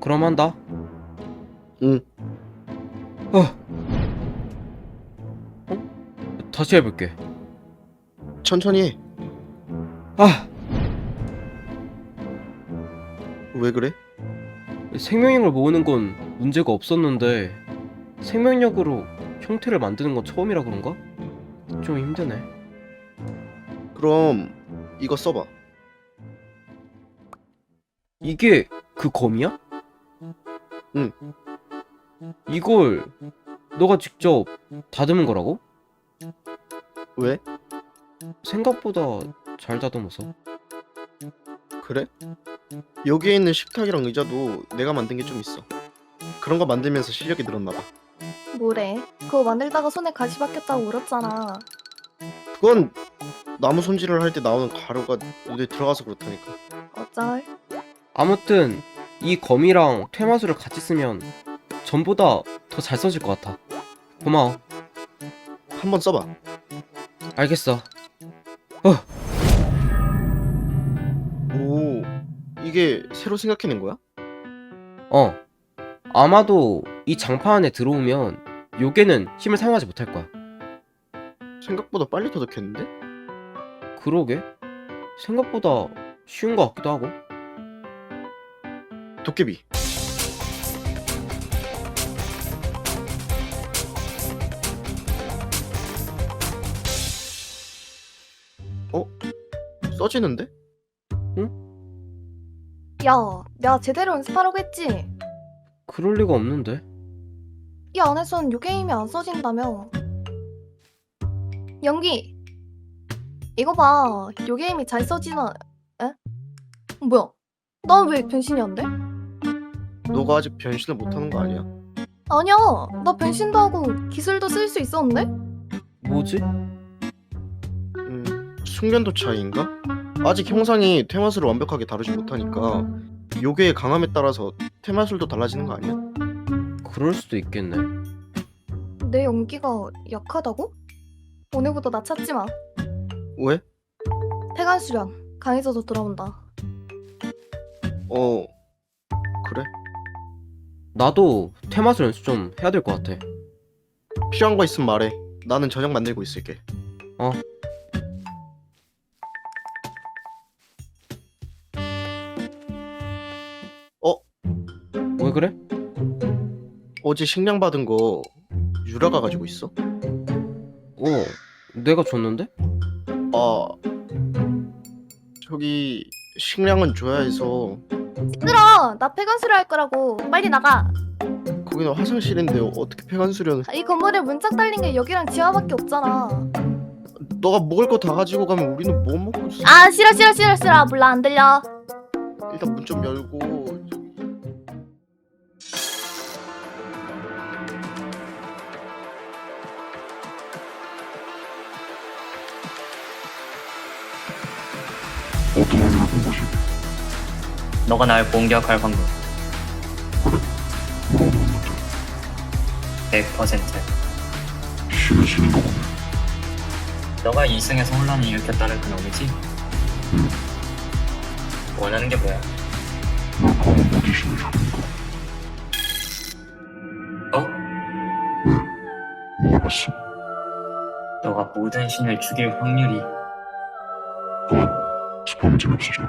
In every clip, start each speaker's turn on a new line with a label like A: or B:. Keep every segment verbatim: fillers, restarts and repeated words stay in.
A: 그럼 한다.
B: 응.
A: 어. 어? 다시 해볼게.
B: 천천히 해.
A: 아,
B: 왜 그래?
A: 생명력을 모으는 건 문제가 없었는데 생명력으로 형태를 만드는 건 처음이라 그런가? 좀 힘드네.
B: 그럼 이거 써봐.
A: 이게 그 검이야?
B: 응.
A: 이걸 너가 직접 다듬은 거라고?
B: 왜?
A: 생각보다 잘 다듬어서.
B: 그래? 여기에 있는 식탁이랑 의자도 내가 만든 게 좀 있어. 그런 거 만들면서 실력이 늘었나 봐.
C: 뭐래? 그거 만들다가 손에 가시 박혔다고 울었잖아.
B: 그건 나무 손질을 할 때 나오는 가루가 눈에 들어가서 그렇다니까.
C: 어쩔?
A: 아무튼 이 검이랑 퇴마술을 같이 쓰면 전보다 더 잘 써질 것 같아. 고마워.
B: 한번 써봐.
A: 알겠어. 어,
B: 오, 이게 새로 생각해낸 거야?
A: 어. 아마도 이 장판 안에 들어오면 요괴는 힘을 사용하지 못할 거야.
B: 생각보다 빨리 터득했는데?
A: 그러게? 생각보다 쉬운 것 같기도 하고.
B: 도깨비. 어? 써지는데?
C: 야, 내가 제대로 연습하라고 했지?
A: 그럴 리가 없는데.
C: 이 안에선 요게임이 안 써진다며. 연기! 이거 봐. 요게임이 잘 써지나... 에? 뭐야? 난 왜 변신이 안 돼?
B: 너가 아직 변신을 못하는 거 아니야?
C: 아니야. 나 변신도 하고 기술도 쓸 수 있었는데?
A: 뭐지?
B: 음, 숙련도 차이인가? 아직 형상이 테마술을 완벽하게 다루지 못하니까 요괴의 강함에 따라서 테마술도 달라지는 거 아니야?
A: 그럴 수도 있겠네.
C: 내 연기가 약하다고? 오늘부터 나 찾지 마.
B: 왜?
C: 폐관 수련. 강해져서 돌아온다.
B: 어, 그래?
A: 나도 테마술 연습 좀 해야 될 것 같아.
B: 필요한 거 있으면 말해. 나는 저녁 만들고 있을게.
A: 어.
B: 어?
A: 왜 그래?
B: 어제 식량 받은 거 유라가 가지고 있어?
A: 어, 내가 줬는데?
B: 아, 저기 식량은 줘야 해서.
C: 시끄러! 나 폐관 수련 할 거라고. 빨리 나가.
B: 거기는 화장실인데 어떻게 폐관 수련을?
C: 이 건물에 문짝 달린 게 여기랑 지하밖에 없잖아.
B: 너가 먹을 거 다 가지고 가면 우리는 뭐 먹고 있어?
C: 아 싫어 싫어 싫어 싫어. 몰라 안 들려.
B: 일단 문 좀 열고.
D: 어떤 확률을 본 것이?
E: 너가 날 공격할 확률
D: 뭐라고 물었는데?
E: 백 퍼센트.
D: 신의 신인 거군.
E: 너가 이승에서 혼란을 일으켰다는 그 놈이지?
D: 응.
E: 원하는 게 뭐야?
D: 널 강한 모지 신을 죽이는 거.
E: 어?
D: 뭘 봤어?
E: 너가 모든 신을 죽일 확률이
D: 그만. 스파면 재미없어져.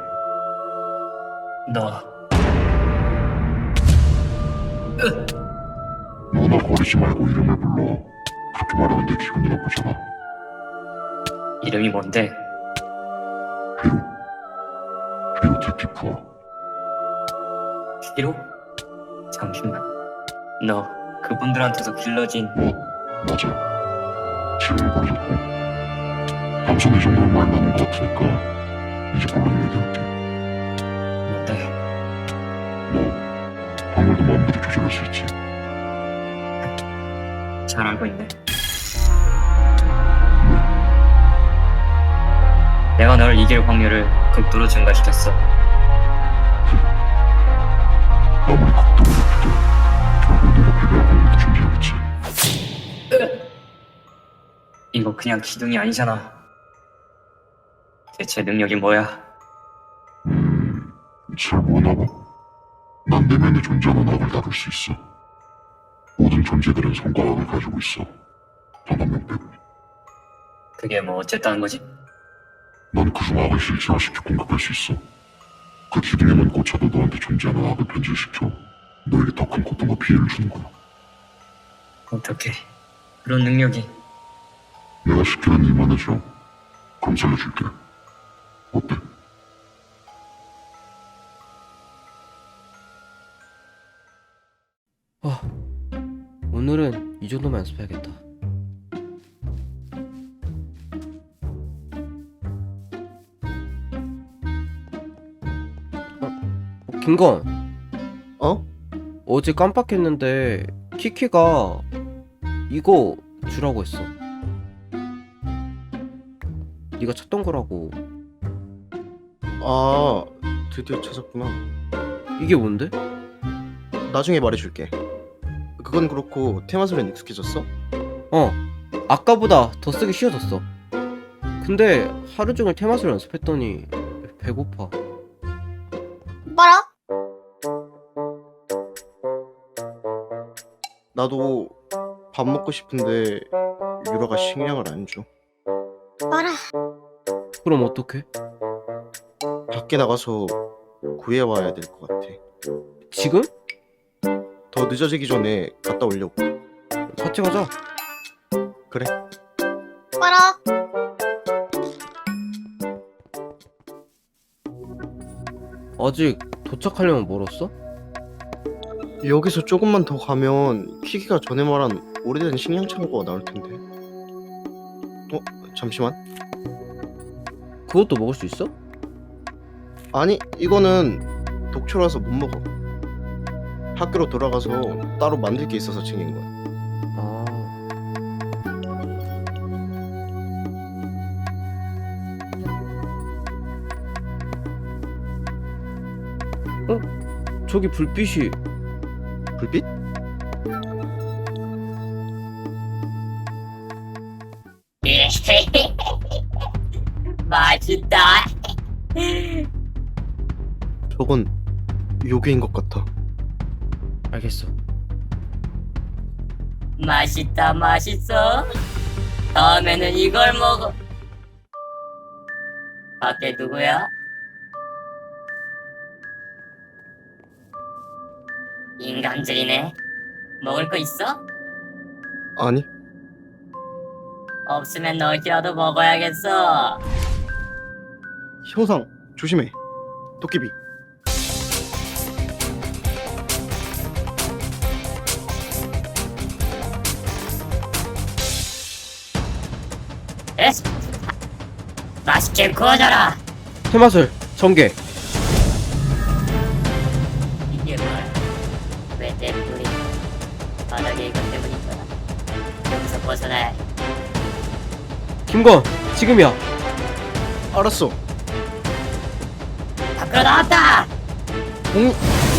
E: 너
D: 너나 거리지 말고 이름을 불러. 그렇게 말하면 내 기분이 나쁘잖아.
E: 이름이 뭔데?
D: 피로. 피로 티피프아.
E: 피로? 잠시만. 너 그분들한테서 길러진
D: 뭐? 맞아. 지금은 버려졌고. 감성이 정도는 말 많은 것 같으니까 이제 본론 얘기할게.
E: 뭔데?
D: 너 확률도 마음대로 조절할 수 있지.
E: 잘 알고 있네. 내가 널 이길 확률을 극도로 증가시켰어.
D: 아무리 극도로 높여도 결국 내가 패배할 확률도 존재하겠지.
E: 이거 그냥 기둥이 아니잖아. 대체 능력이 뭐야?
D: 음, 잘 모르나 봐. 난 내면에 존재하는 악을 다룰 수 있어. 모든 존재들은 선과 악을 가지고 있어. 단 한 명 빼고.
E: 그게 뭐 어쨌다는 거지?
D: 넌 그중 악을 실체화시켜 공격할 수 있어. 그 기둥에만 꽂혀도 너한테 존재하는 악을 변질시켜 너에게 더 큰 고통과 피해를 주는 거야.
E: 어떻게 그런 능력이?
D: 내가 시키는 일만 해줘. 그럼 살려줄게. 어때?
A: 아, 오늘은 이 정도만 연습해야겠다. 어, 어, 김건,
B: 어?
A: 어제 깜빡했는데 키키가 이거 주라고 했어. 네가 찾던 거라고.
B: 아, 드디어 찾았구나.
A: 이게 뭔데?
B: 나중에 말해줄게. 그건 그렇고 테마술엔 익숙해졌어?
A: 어, 아까보다 더 쓰기 쉬워졌어. 근데 하루 종일 테마술 연습했더니 배고파.
C: 봐라.
B: 나도 밥 먹고 싶은데 유라가 식량을 안 줘.
C: 봐라.
A: 그럼 어떡해?
B: 밖에 나가서 구해와야 될 것 같아.
A: 지금?
B: 더 늦어지기 전에 갔다 오려고.
A: 같이 가자.
B: 그래.
C: 봐라.
A: 아직 도착하려면 멀었어?
B: 여기서 조금만 더 가면 키키가 전에 말한 오래된 식량 창고가 나올 텐데. 어? 잠시만.
A: 그것도 먹을 수 있어?
B: 아니, 이거는 독초라서 못 먹어. 학교로 돌아가서 따로 만들 게 있어서 챙긴 거야.
A: 아, 어? 저기 불빛이.
B: 불빛?
E: 맛있다.
B: 저건 요괴인 것 같아.
A: 알겠어.
F: 맛있다 맛있어. 다음에는 이걸 먹어. 밖에 누구야? 인간들이네. 먹을 거 있어?
B: 아니,
F: 없으면 너희라도 먹어야겠어.
B: 형상 조심해. 도깨비.
F: 에스. 맛있게 구워줘라.
A: 테마술 전개.
F: 이게 뭐야? 왜 내 불이 바닥에 이것 때문인 거야? 여기서 벗어나야 해.
A: 김건, 지금이야.
B: 알았어.
F: 밖으로 나왔다.
B: 공...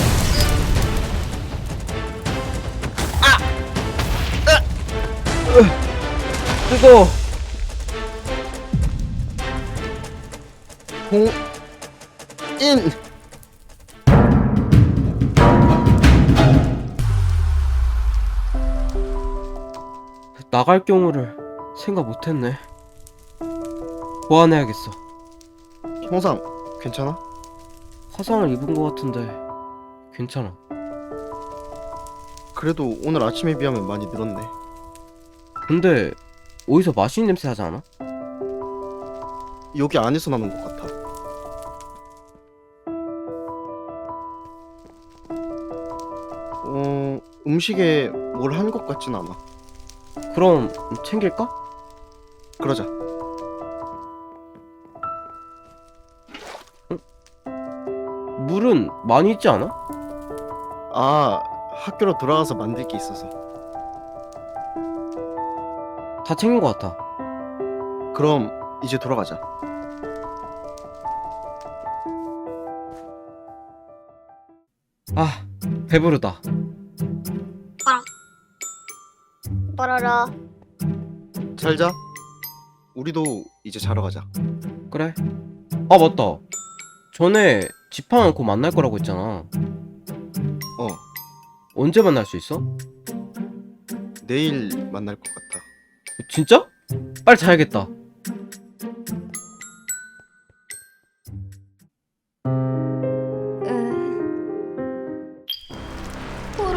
A: 뜨거.
B: 공... 인...
A: 나갈 경우를 생각 못했네. 보완해야겠어.
B: 형상 괜찮아?
A: 화상을 입은 것 같은데 괜찮아.
B: 그래도 오늘 아침에 비하면 많이 늘었네.
A: 근데 어디서 맛있는 냄새 나지 않아?
B: 여기 안에서 나는 것 같아. 어... 음식에 뭘 한 것 같진 않아.
A: 그럼 챙길까?
B: 그러자.
A: 물은 많이 있지 않아?
B: 아, 학교로 돌아가서 만들 게 있어서.
A: 다 챙긴 것 같아.
B: 그럼 이제 돌아가자.
A: 아, 배부르다.
C: 봐라라.
B: 잘 자. 우리도 이제 자러 가자.
A: 그래. 아, 맞다. 전에 지팡 않고 만날 거라고 했잖아.
B: 어,
A: 언제 만날 수 있어?
B: 내일 만날 것 같아.
A: 진짜? 빨리 자야겠다.
C: 으... 토로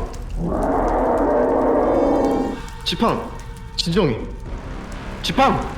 B: 지팡, 진정해. 지팡.